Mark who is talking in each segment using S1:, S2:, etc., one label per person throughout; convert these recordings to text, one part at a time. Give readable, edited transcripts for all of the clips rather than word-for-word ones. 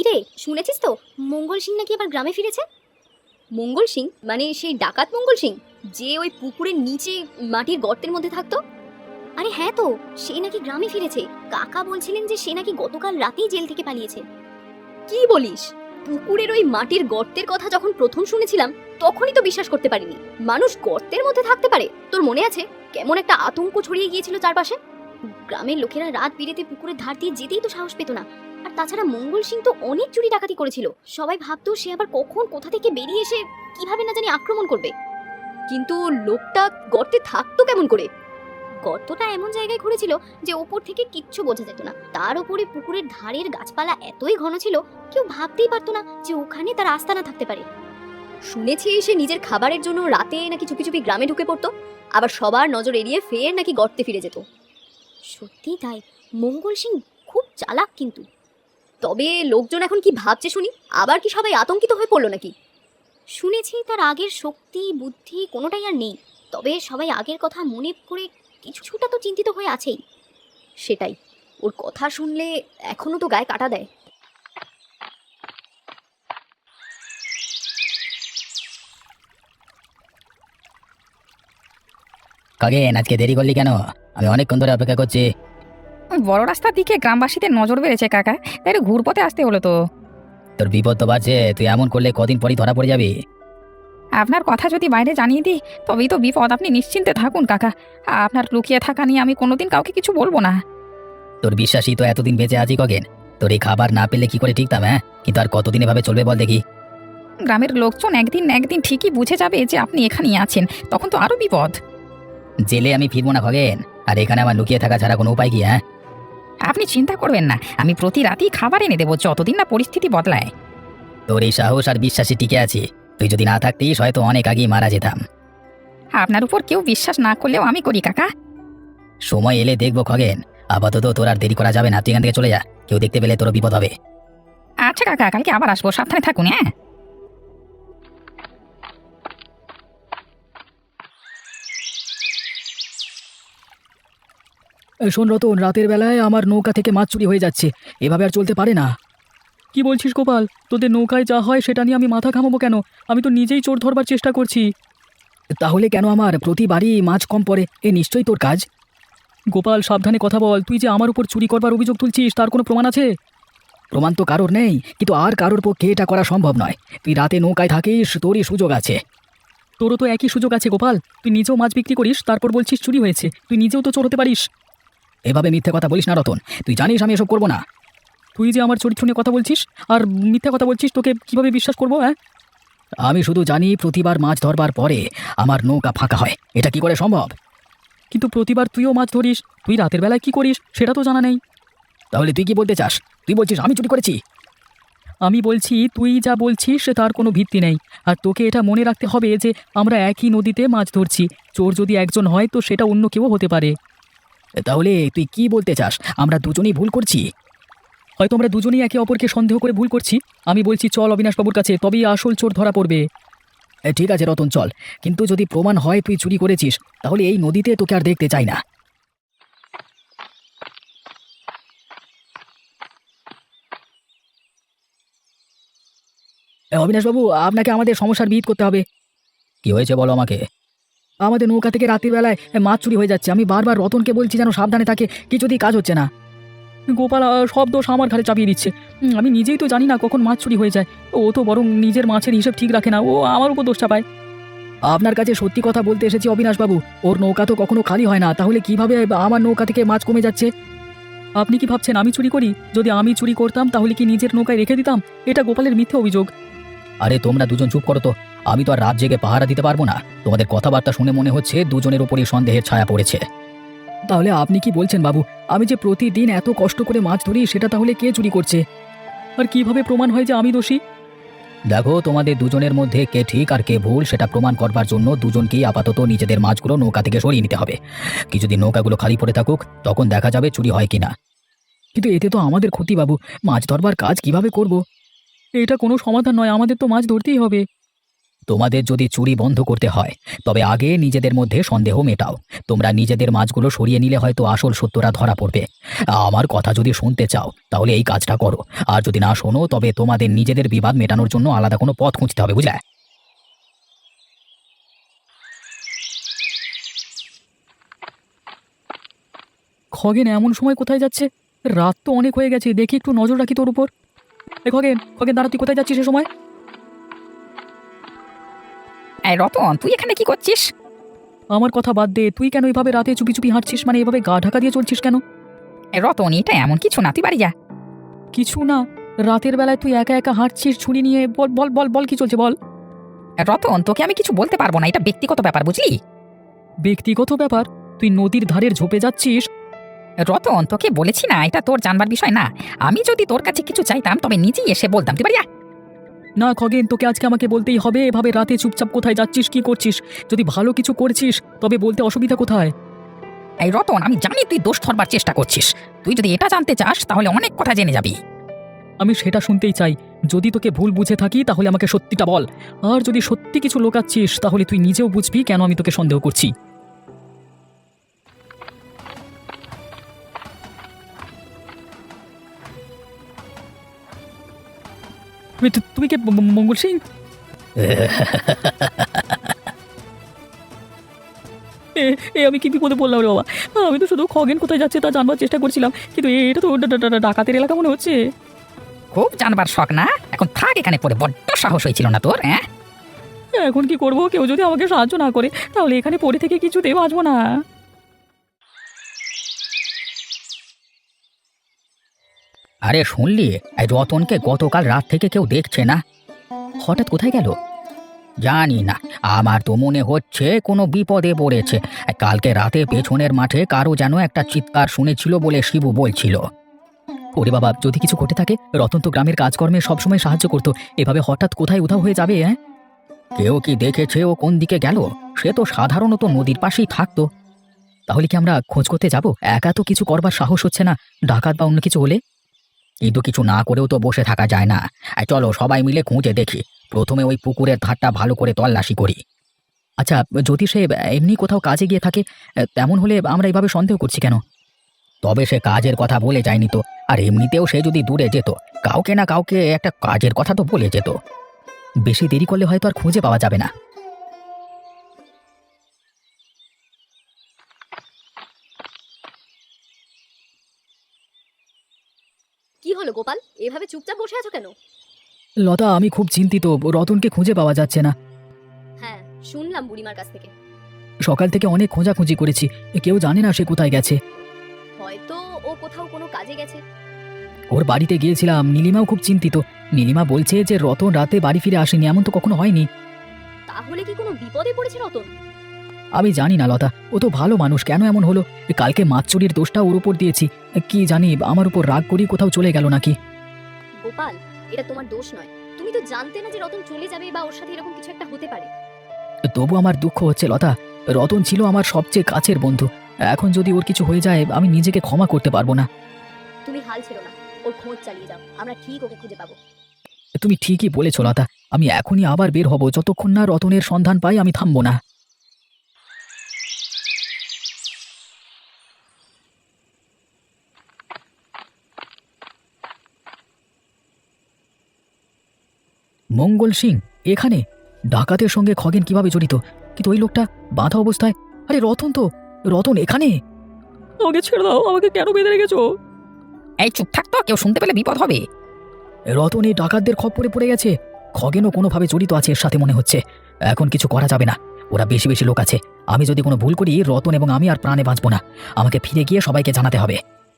S1: কিরে, শুনেছিস তো মঙ্গল সিং নাকি আবার গ্রামে ফিরেছে? মঙ্গল সিং মানে সেই ডাকাত মঙ্গল সিং, যে ওই পুকুরের নিচে মাটির গর্তের মধ্যে থাকতো? আরে হ্যাঁ তো, সে নাকি গ্রামে ফিরেছে। কাকা বলছিলেন যে সে নাকি গতকাল রাতেই জেল থেকে পালিয়েছে। কি বলিস? পুকুরের ওই মাটির গর্তের কথা যখন প্রথম শুনেছিলাম তখনই তো বিশ্বাস করতে পারিনি। মানুষ গর্তের মধ্যে থাকতে পারে? তোর মনে আছে কেমন একটা আতঙ্ক ছড়িয়ে গিয়েছিল চারপাশে? গ্রামের লোকেরা রাত বিরেতে পুকুরের ধার দিয়ে যেতেই তো সাহস পেত না। আর তাছাড়া মঙ্গল সিং তো অনেক চুরি ডাকাতি করেছিল। সবাই ভাবতো সে আবার কখন কোথা থেকে বেরিয়ে এসে কিভাবে না জানি আক্রমণ করবে। কিন্তু লোকটা গর্তে থাকতো কেমন করে? গর্তটা এমন জায়গায় ঘুরেছিল যে ওপর থেকে কিচ্ছু বোঝা যেত না। তার উপরে পুকুরের ধারের গাছপালা এতই ঘন ছিল কেউ ভাবতেই পারতো না যে ওখানে তার আস্তানা থাকতে পারে। শুনেছি সে নিজের খাবারের জন্য রাতে নাকি চুপি চুপি গ্রামে ঢুকে পড়তো, আবার সবার নজর এড়িয়ে ফের নাকি গর্তে ফিরে যেত। সত্যি তাই, মঙ্গল সিং খুব চালাক কিন্তু। তবে লোকজন এখন কি ভাবছে শুনি? আবার কি সবাই আতঙ্কিত হয়ে পড়লো নাকি? শুনেছি তার আগের শক্তি বুদ্ধি কোনোটাই আর নেই, তবে সবাই আগের কথা মনে করে কিছুটা তো চিন্তিত হয়ে আছেই। সেটাই, ওর কথা শুনলে এখনো তো গায়ে কাটা দেয়।
S2: খগেন, আজকে দেরি করলি কেন? আমি অনেকক্ষণ ধরে অপেক্ষা করছি।
S3: ওই বড় রাস্তার দিকে গ্রামবাসীদের নজর বেড়েছে কাকা, তাই একটু ঘুরপথে আসতে হলো তো।
S2: তোর বিপদ তো বাড়ছে, তুই এমন করলে কদিন পরই ধরা পড়ে যাবি।
S3: আপনার কথা যদি বাইরে জানিয়ে দিই তবেই তো বিপদ। আপনি নিশ্চিন্তে থাকুন কাকা, আপনার লুকিয়ে থাকা নিয়ে আমি কোনোদিন কাউকে কিছু বলবো না।
S2: তোর বিশ্বাসই তো এতদিন বেঁচে আছি খগেন। তোর এই খাবার না পেলে কি করে ঠিকতাম? হ্যাঁ, কিন্তু আর কতদিন এভাবে চলবে বল দেখি?
S3: গ্রামের লোকজন একদিন না একদিন ঠিকই বুঝে যাবে যে আপনি এখানেই আছেন, তখন তো আরো বিপদ।
S2: জেলে আমি ফিরবো না খগেন, আর এখানে আমার লুকিয়ে থাকা ছাড়া কোনো উপায় কি? হ্যাঁ,
S3: আপনি চিন্তা করবেন না, আমি প্রতি রাতেই খাবার এনে দেবো যতদিন না পরিস্থিতি বদলায়।
S2: তোর এই সাহস আর বিশ্বাসে টিকে আছি। তুই যদি না থাকতিস হয়তো অনেক আগেই মারা যেতাম।
S3: আপনার উপর কেউ বিশ্বাস না করলেও আমি করি কাকা।
S2: সময় এলে দেখবো খগেন। আপাতত তোর আর দেরি করা যাবে না, তুই এখান থেকে চলে যা। কেউ দেখতে পেলে তোর বিপদ হবে।
S3: আচ্ছা কাকা, কালকে আবার আসবো, সাবধানে থাকুন। হ্যাঁ,
S4: শোন রতন, রাতের বেলায় আমার নৌকা থেকে মাছ চুরি হয়ে যাচ্ছে, এভাবে আর চলতে পারে না। কি বলছিস গোপাল? তোদের নৌকায় যা হয় সেটা নিয়ে আমি মাথা ঘামাবো কেন? আমি তো নিজেই চোর ধরবার চেষ্টা করছি। তাহলে কেন আমার প্রতিবারই মাছ কম পড়ে? এ নিশ্চয়ই তোর কাজ। গোপাল, সাবধানে কথা বল। তুই যে আমার উপর চুরি করবার অভিযোগ তুলছিস তার কোনো প্রমাণ আছে? প্রমাণ তো কারোর নেই, কিন্তু আর কারোর পক্ষে এটা করা সম্ভব নয়। তুই রাতে নৌকায় থাকিস, তোরই সুযোগ আছে। তোরও তো একই সুযোগ আছে গোপাল। তুই নিজেও মাছ বিক্রি করিস, তারপর বলছিস চুরি হয়েছে। তুই নিজেও তো চোর হতে পারিস। এভাবে মিথ্যে কথা বলিস না রতন, তুই জানিস আমি এসব করবো না। তুই যে আমার চরিত্র নিয়ে কথা বলছিস আর মিথ্যা কথা বলছিস, তোকে কিভাবে বিশ্বাস করবো? হ্যাঁ, আমি শুধু জানি প্রতিবার মাছ ধরবার পরে আমার নৌকা ফাঁকা হয়। এটা কি করে সম্ভব? কিন্তু প্রতিবার তুইও মাছ ধরিস, তুই রাতের বেলায় কি করিস সেটা তো জানা নেই। তাহলে তুই কি বলতে চাস? তুই বলছিস আমি চুরি করেছি? আমি বলছি তুই যা বলছিস তার কোনো ভিত্তি নেই। আর তোকে এটা মনে রাখতে হবে যে আমরা একই নদীতে মাছ ধরছি। চোর যদি একজন হয় তো সেটা অন্য কেউ হতে পারে। তাহলে তুই কি বলতে চাস আমরা দুজনেই ভুল করছি? হয়তো আমরা দুজনেই একে অপরকে সন্দেহ করে ভুল করছি। আমি বলছি চল অবিনাশবাবুর কাছে, তবেই আসল চোর ধরা পড়বে। ঠিক আছে রতন, চল। কিন্তু যদি প্রমাণ হয় তুই চুরি করেছিস তাহলে এই নদীতে তোকে আর দেখতে চাই না। অবিনাশবাবু, আপনাকে আমাদের সমস্যার বিহিত করতে হবে।
S2: কি হয়েছে বলো আমাকে।
S4: আমাদের নৌকা থেকে রাতের বেলায় মাছ চুরি হয়ে যাচ্ছে। আমি বারবার রতনকে বলছি যেন সাবধানে থাকে, কিছুতেই কাজ হচ্ছে না। গোপাল সব দোষ আমার ঘাড়ে চাপিয়ে দিচ্ছে। আমি নিজেই তো জানি না কখন মাছ চুরি হয়ে যায়। ও তো বরং নিজের মাছের হিসেব ঠিক রাখে না, ও আমার উপর দোষ চাপায়। আপনার কাছে সত্যি কথা বলতে এসেছি অবিনাশবাবু। ওর নৌকা তো কখনো খালি হয় না, তাহলে কিভাবে আমার নৌকা থেকে মাছ কমে যাচ্ছে? আপনি কি ভাবছেন আমি চুরি করি? যদি আমি চুরি করতাম তাহলে কি নিজের নৌকায় রেখে দিতাম? এটা গোপালের মিথ্যে অভিযোগ।
S2: আরে তোমরা দুজন চুপ করো তো। আমি তো আর রাত জেগে পাহারা দিতে পারবো না। তোমাদের কথাবার্তা শুনে মনে হচ্ছে দুজনের উপরই সন্দেহের ছায়া পড়েছে।
S4: তাহলে আপনি কি বলছেন বাবু? আমি যে প্রতিদিন এত কষ্ট করে মাছ ধরি সেটা তাহলে কে চুরি করছে? আর কিভাবে প্রমাণ হয় যে আমি দোষী?
S2: দেখো, তোমাদের দুজনের মধ্যে কে ঠিক আর কে ভুল সেটা প্রমাণ করবার জন্য দুজনকেই আপাতত নিজেদের মাছগুলো নৌকা থেকে সরিয়ে নিতে হবে। কিছুদিন নৌকাগুলো খালি পড়ে থাকুক, তখন দেখা যাবে চুরি হয় কিনা।
S4: কিন্তু এতে তো আমাদের ক্ষতি বাবু। মাছ ধরবার কাজ কিভাবে করব? এটা কোনো সমাধান নয়, আমাদের তো মাছ ধরতেই হবে।
S2: তোমাদের যদি চুরি বন্ধ করতে হয় তবে আগে নিজেদের মধ্যে সন্দেহ মেটাও। তোমরা নিজেদের মাছগুলো সরিয়ে নিলে হয়তো আসল সত্যটা ধরা পড়বে। আমার কথা যদি শুনতে চাও তাহলে এই কাজটা করো, আর যদি না শোনো তবে তোমাদের নিজেদের বিবাদ মেটানোর জন্য আলাদা কোনো পথ খুঁজতে হবে, বুঝলে?
S4: খগেন এমন সময় কোথায় যাচ্ছে? রাত তো অনেক হয়ে গেছে, দেখি একটু নজর রাখি তোর উপর। খগেন খগেন দাঁড়া, তুই কোথায় যাচ্ছিস সে সময়?
S3: এই রতন, তুই এখানে কি করছিস?
S4: আমার কথা বাদ দে, তুই কেন এভাবে রাতে চুপি চুপি হাঁটছিস? মানে এভাবে গা ঢাকা দিয়ে চলছিস কেন?
S3: এই রতন, এটা এমন কিছু না, তুই বাড়ি যা।
S4: কিছু না? রাতের বেলায় তুই একা একা হাঁটছিস ছুরি নিয়ে? বল বল বল বল, কি চলছে বল।
S3: রতন, তোকে আমি কিছু বলতে পারবো না, এটা ব্যক্তিগত ব্যাপার, বুঝলি?
S4: ব্যক্তিগত ব্যাপার? তুই নদীর ধারের ঝোপে যাচ্ছিস?
S3: রতন, তোকে বলেছি না এটা তোর জানবার বিষয় না। আমি যদি তোর কাছে কিছু চাইতাম তবে নিজেই এসে বলতাম, তুই বাড়ি যা।
S4: না খগেন, তোকে আজকে আমাকে বলতেই হবে। এভাবে রাতে চুপচাপ কোথায় যাচ্ছিস, কি করছিস? যদি ভালো কিছু করছিস তবে বলতে অসুবিধা কোথায়?
S3: এই রতন, আমি জানি তুই দোষ ধরবার চেষ্টা করছিস। তুই যদি এটা জানতে চাস তাহলে অনেক কথা জেনে যাবি।
S4: আমি সেটা শুনতেই চাই। যদি তোকে ভুল বুঝে থাকি তাহলে আমাকে সত্যিটা বল, আর যদি সত্যি কিছু লোকাচ্ছিস তাহলে তুই নিজেও বুঝবি কেন আমি তোকে সন্দেহ করছি। তুমি কে, মঙ্গল সিং? এ আমি কি বিপদে পড়লাম রে বাবা! আমি তো শুধু খগেন কোথায় যাচ্ছে তা জানবার চেষ্টা করছিলাম, কিন্তু এটা তো ডাকাতের এলাকা মনে হচ্ছে।
S3: খুব জানবার শখ না? এখন থাক এখানে পড়ে, বড্ড সাহস হয়েছিল না তোর? হ্যাঁ,
S4: এখন কি করব? কেউ যদি আমাকে সাহায্য না করে তাহলে এখানে পড়ে থেকে কিছুতেই বাঁচবো না।
S2: আরে শুনলি, এই রতনকে গতকাল রাত থেকে কেউ দেখছে না। হঠাৎ কোথায় গেল জানি না, আমার তো মনে হচ্ছে কোনো বিপদে পড়েছে। কালকে রাতে পেছনের মাঠে কারো যেন একটা চিৎকার শুনেছিল বলে শিবু বলছিল।
S4: ওরে বাবা, যদি কিছু ঘটে থাকে! রতন তো গ্রামের কাজকর্মে সবসময় সাহায্য করতো, এভাবে হঠাৎ কোথায় উধাও হয়ে যাবে? হ্যাঁ,
S2: কেউ কি দেখেছে ও কোন দিকে গেল? সে তো সাধারণত নদীর পাশেই থাকতো।
S4: তাহলে কি আমরা খোঁজ করতে যাব? একা তো কিছু করবার সাহস হচ্ছে না, ডাকাত বা অন্য কিছু হলে।
S2: কিন্তু কিছু না করেও তো বসে থাকা যায় না। চলো সবাই মিলে খুঁজে দেখি। প্রথমে ওই পুকুরের ধারটা ভালো করে তল্লাশি করি।
S4: আচ্ছা, যদি সে এমনি কোথাও কাজে গিয়ে থাকে, তেমন হলে আমরা এইভাবে সন্দেহ করছি কেন?
S2: তবে সে কাজের কথা বলে যায়নি তো। আর এমনিতেও সে যদি দূরে যেত, কাউকে না কাউকে একটা কাজের কথা তো বলে যেত।
S4: বেশি দেরি করলে হয়তো আর খুঁজে পাওয়া যাবে না।
S1: কি হলো গোপাল, এভাবে চুপচাপ বসে আছো কেন?
S4: লতা, আমি খুব চিন্তিত। রতনকে খুঁজে পাওয়া যাচ্ছে না।
S1: হ্যাঁ, শুনলাম বুড়িমার কাছ থেকে।
S4: সকাল থেকে অনেক খোঁজাখুঁজি করেছি, কেউ জানে না সে কোথায় গেছে।
S1: হয়তো ও কোথাও কোনো কাজে গেছে।
S4: ওর বাড়িতে গিয়েছিলাম, নীলিমাও খুব চিন্তিত। নীলিমা বলছে যে রতন রাতে বাড়ি ফিরে আসেনি, এমন তো কখনো হয়নি।
S1: তাহলে কি কোনো বিপদে পড়েছে রতন?
S4: আমি জানি না লতা, ও তো ভালো মানুষ, কেন এমন হলো? কালকে মাছ চুরির দোষটা ওর উপর দিয়েছি, কি জানি আমার উপর রাগ করি কোথাও চলে গেল নাকি।
S1: গোপাল, এটা তোমার দোষ নয়। তুমি তো জানতে না যে রতন চলে যাবে বা ওর সাথে এরকম কিছু একটা হতে পারে।
S4: তবু আমার দুঃখ হচ্ছে লতা, রতন ছিল আমার সবচেয়ে কাছের বন্ধু। এখন যদি ওর কিছু হয়ে যায় আমি নিজেকে ক্ষমা করতে পারবো না।
S1: তুমি হাল ছেড়ো না, ওর খোঁজ চালিয়ে যাও, আমরা ঠিক ওকে খুঁজে পাবো।
S4: তুমি ঠিকই বলেছ লতা, আমি এখনই আবার বের হব। যতক্ষণ না রতনের সন্ধান পাই আমি থামবো না। মঙ্গল সিং এখানে? ডাকাতের সঙ্গে খগেন কিভাবে জড়িত? কিন্তু ওই লোকটা বাঁধা অবস্থায়। আরে রতন তো, রতন এখানে! আমাকে ছেড়ে দাও, আমাকে কেন বেঁধে রেখেছো?
S3: এই চুপ থাক তো, কেউ শুনতে পেলে বিপদ হবে।
S4: রতন এই ডাকাতদের খপ্পরে পড়ে গেছে। খগেনও কোনোভাবে জড়িত আছে এর সাথে মনে হচ্ছে। এখন কিছু করা যাবে না, ওরা বেশি বেশি লোক আছে। আমি যদি কোনো ভুল করি রতন এবং আমি আর প্রাণে বাঁচবো না। আমাকে ফিরে গিয়ে সবাইকে জানাতে হবে।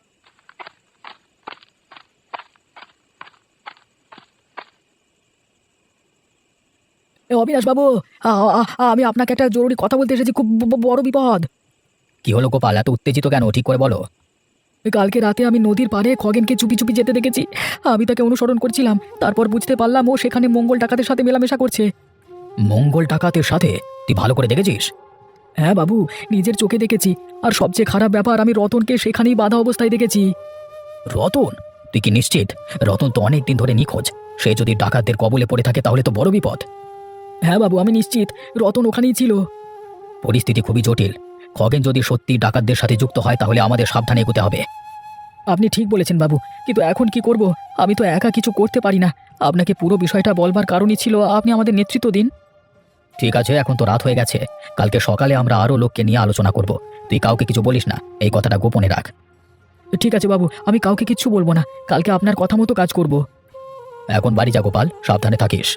S4: অবিনাশ বাবু, আমি আপনাকে একটা জরুরি কথা বলতে এসেছি, খুব বড় বিপদ।
S2: কি হলো গোপাল, এত উত্তেজিত কেন? ঠিক করে বলো।
S4: কালকে রাতে আমি নদীর পাড়ে খগেনকে চুপি চুপি যেতে দেখেছি। আমি তাকে অনুসরণ করছিলাম, তারপর বুঝতে পারলাম ও সেখানে মঙ্গল ডাকাতের সাথে মেলামেশা করছে।
S2: মঙ্গল ডাকাতের সাথে? তুই ভালো করে দেখেছিস?
S4: হ্যাঁ বাবু, নিজের চোখে দেখেছি। আর সবচেয়ে খারাপ ব্যাপার, আমি রতনকে সেখানেই বাঁধা অবস্থায় দেখেছি।
S2: রতন? তুই কি নিশ্চিত? রতন তো অনেক দিন ধরে নিখোঁজ। সে যদি ডাকাতদের কবলে পড়ে থাকে তাহলে তো বড় বিপদ।
S4: হ্যাঁ বাবু, আমি নিশ্চিত রতন ওখানেই ছিল।
S2: পরিস্থিতি খুবই জটিল। খগেন যদি সত্যি ডাকাতদের সাথে যুক্ত হয় তাহলে আমাদের সাবধানে এগোতে হবে।
S4: আপনি ঠিক বলেছেন বাবু, কিন্তু এখন কি করব? আমি তো একা কিছু করতে পারি না। আপনাকে পুরো বিষয়টা বলবার কারণই ছিল আপনি আমাদের নেতৃত্ব দিন।
S2: ঠিক আছে, এখন তো রাত হয়ে গেছে। কালকে সকালে আমরা আরও লোককে নিয়ে আলোচনা করব। তুই কাউকে কিছু বলিস না, এই কথাটা গোপনে রাখ।
S4: ঠিক আছে বাবু, আমি কাউকে কিচ্ছু বলবো না। কালকে আপনার কথা মতো কাজ করব।
S2: এখন বাড়ি যা গোপাল, সাবধানে থাকিস।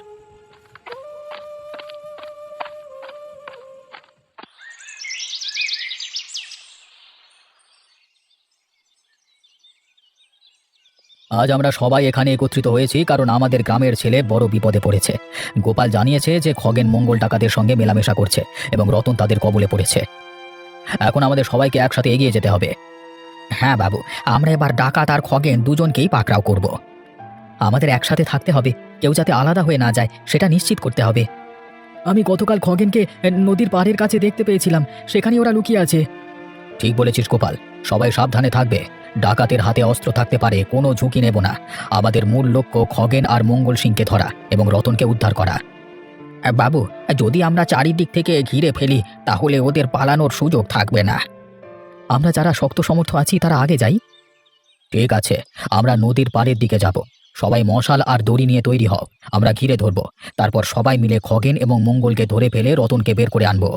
S2: আজ আমরা সবাই এখানে একত্রিত হয়েছি কারণ আমাদের গ্রামের ছেলে বড় বিপদে পড়েছে। গোপাল জানিয়েছে যে খগেন মঙ্গল ডাকাতের সঙ্গে মেলামেশা করছে এবং রতন তাদের কবলে পড়েছে। এখন আমাদের সবাইকে একসাথে এগিয়ে যেতে হবে। হ্যাঁ বাবু, আমরা এবার ডাকাত আর খগেন দুজনকেই পাকড়াও করব। আমাদের একসাথে থাকতে হবে, কেউ যাতে আলাদা হয়ে না যায় সেটা নিশ্চিত করতে হবে।
S4: আমি গতকাল খগেনকে নদীর পাড়ের কাছে দেখতে পেয়েছিলাম, সেখানে ওরা লুকিয়ে আছে।
S2: ঠিক বলেছিস গোপাল, সবাই সাবধানে থাকবে। ডাকাতের হাতে অস্ত্র থাকতে পারে, কোনো ঝুঁকি নেব না। আমাদের মূল লক্ষ্য খগেন আর মঙ্গল সিংকে ধরা এবং রতনকে উদ্ধার করা। বাবু, যদি আমরা চারিদিক থেকে ঘিরে ফেলি তাহলে ওদের পালানোর সুযোগ থাকবে না। আমরা যারা শক্ত সমর্থ আছি তারা আগে যাই। ঠিক আছে, আমরা নদীর পাড়ের দিকে যাব। সবাই মশাল আর দড়ি নিয়ে তৈরি হও। আমরা ঘিরে ধরব, তারপর সবাই মিলে খগেন এবং মঙ্গলকে ধরে ফেলে রতনকে বের করে আনব।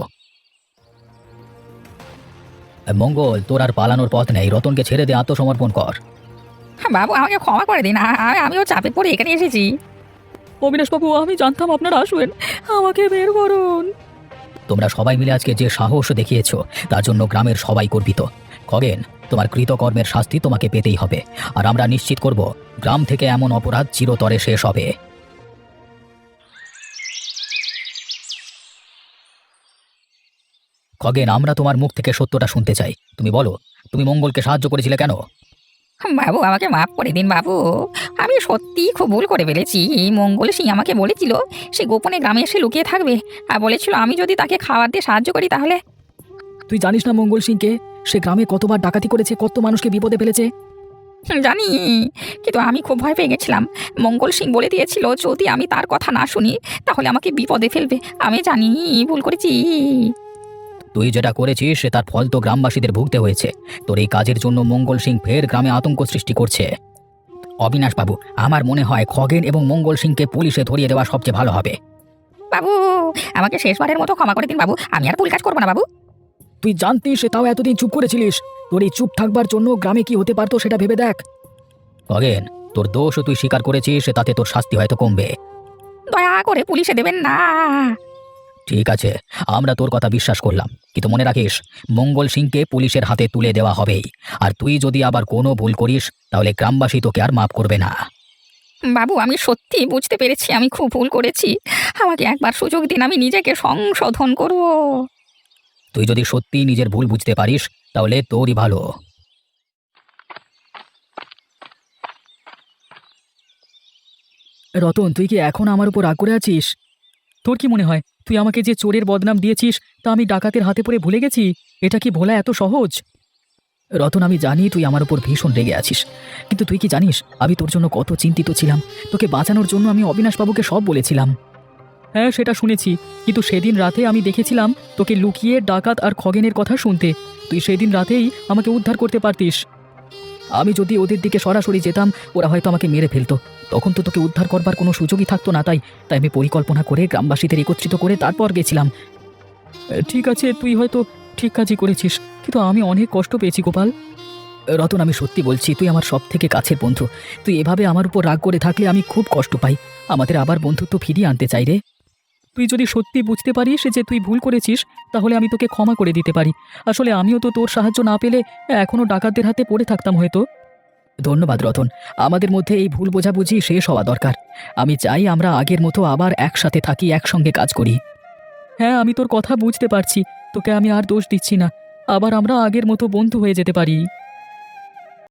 S2: মঙ্গল, তোর আর পালানোর পথ নেই, রতনকে ছেড়ে দিয়ে আত্মসমর্পণ কর।
S3: বাবু আমাকে ক্ষমা করে দিন, আমিও চাপে পড়ে এখানে এসেছি।
S4: অবিনাশবাবু, আমি জানতাম আপনারা আসবেন, আমাকে বের করুন।
S2: তোমরা সবাই মিলে আজকে যে সাহস দেখিয়েছো তার জন্য গ্রামের সবাই গর্বিত। খগেন, তোমার কৃতকর্মের শাস্তি তোমাকে পেতেই হবে, আর আমরা নিশ্চিত করব গ্রাম থেকে এমন অপরাধ চিরতরে শেষ হবে। খগেন, আমরা তোমার মুখ থেকে সত্যটা শুনতে চাই। তুমি বলো, তুমি মঙ্গলকে সাহায্য করেছিলে কেন?
S3: বাবু আমাকে মাফ করে দিন বাবু, আমি সত্যিই খুব ভুল করে ফেলেছি। মঙ্গল সিং আমাকে বলেছিল সে গোপনে গ্রামে এসে লুকিয়ে থাকবে, আর বলেছিল আমি যদি তাকে খাবার দিয়ে সাহায্য করি তাহলে।
S4: তুই জানিস না মঙ্গল সিংকে? সে গ্রামে কতবার ডাকাতি করেছে, কত মানুষকে বিপদে ফেলেছে।
S3: জানি, কিন্তু আমি খুব ভয় পেয়ে গেছিলাম। মঙ্গল সিং বলে দিয়েছিল যদি আমি তার কথা না শুনি তাহলে আমাকে বিপদে ফেলবে। আমি জানি ভুল করেছি।
S2: তুই যেটা করেছিস সে তার ফল তো গ্রামবাসীদের ভুগতে হয়েছে। তোর এই কাজের জন্য মঙ্গল সিং ফের গ্রামে আতঙ্ক সৃষ্টি করছে। অবিনাশ বাবু, আমার মনে হয় খগেন এবং মঙ্গল সিংকে পুলিশে ধরিয়ে দেওয়া সবচেয়ে ভালো হবে।
S3: বাবু আমাকে শেষবারের মতো ক্ষমা করে দিন বাবু, আমি আর ভুল কাজ করবো না বাবু।
S4: তুই জানতিস সে, তাও এতদিন চুপ করেছিলিস। তোর এই চুপ থাকবার জন্য গ্রামে কি হতে পারতো সেটা ভেবে দেখ।
S2: খগেন, তোর দোষ তুই স্বীকার করেছিস, তাতে তোর শাস্তি হয়তো কমবে।
S3: দয়া করে পুলিশে দেবেন না।
S2: ঠিক আছে, আমরা তোর কথা বিশ্বাস করলাম, কিন্তু মনে রাখিস মঙ্গল সিংকে পুলিশের হাতে তুলে দেওয়া হবেই। আর তুই যদি আবার কোনো ভুল করিস তাহলে গ্রামবাসী তোকে আর মাফ করবে না।
S3: বাবু আমি সত্যি বুঝতে পেরেছি আমি খুব ভুল করেছি, আমাকে একবার সুযোগ দিন, আমি নিজেকে সংশোধন করব।
S2: তুই যদি সত্যি নিজের ভুল বুঝতে পারিস তাহলে তোরই ভালো।
S4: রতন, তুই কি এখন আমার উপর রাগ করে আছিস? তোর কি মনে হয় তুই আমাকে যে চোরের বদনাম দিয়েছিস তা আমি ডাকাতের হাতে পড়ে ভুলে গেছি? এটা কি ভোলা এত সহজ? রতন, আমি জানি তুই আমার উপর ভীষণ রেগে আছিস, কিন্তু তুই কি জানিস আমি তোর জন্য কত চিন্তিত ছিলাম। তোকে বাঁচানোর জন্য আমি অবিনাশবাবুকে সব বলেছিলাম। হ্যাঁ, সেটা শুনেছি, কিন্তু সেদিন রাতে আমি দেখেছিলাম তোকে লুকিয়ে ডাকাত আর খগেনের কথা শুনতে। তুই সেদিন রাতেই আমাকে উদ্ধার করতে পারতিস। আমি যদি ওদের দিকে সরাসরি যেতাম ওরা হয়তো আমাকে মেরে ফেলতো, তখন তো তোকে উদ্ধার করবার কোনো সুযোগই থাকতো না। তাই আমি পরিকল্পনা করে গ্রামবাসীদের একত্রিত করে তারপর গেছিলাম। ঠিক আছে, তুই হয়তো ঠিক কাজই করেছিস, কিন্তু আমি অনেক কষ্ট পেয়েছি গোপাল। রতন, আমি সত্যি বলছি তুই আমার সব থেকে কাছের বন্ধু। তুই এভাবে আমার উপর রাগ করে থাকলে আমি খুব কষ্ট পাই। আমাদের আবার বন্ধুত্ব ফিরিয়ে আনতে চাই রে। তুই যদি সত্যি বুঝতে পারিস যে তুই ভুল করেছিস তাহলে আমি তোকে ক্ষমা করে দিতে পারি। আসলে আমিও তো তোর সাহায্য না পেলে এখনও ডাকাতদের হাতে পড়ে থাকতাম হয়তো। ধন্যবাদ রতন, আমাদের মধ্যে এই ভুল বোঝাবুঝি শেষ হওয়া দরকার। আমি চাই আমরা আগের মতো আবার একসাথে থাকি, একসঙ্গে কাজ করি। হ্যাঁ, আমি তোর কথা বুঝতে পারছি, তোকে আমি আর দোষ দিচ্ছি না। আবার আমরা আগের মতো বন্ধু হয়ে যেতে পারি।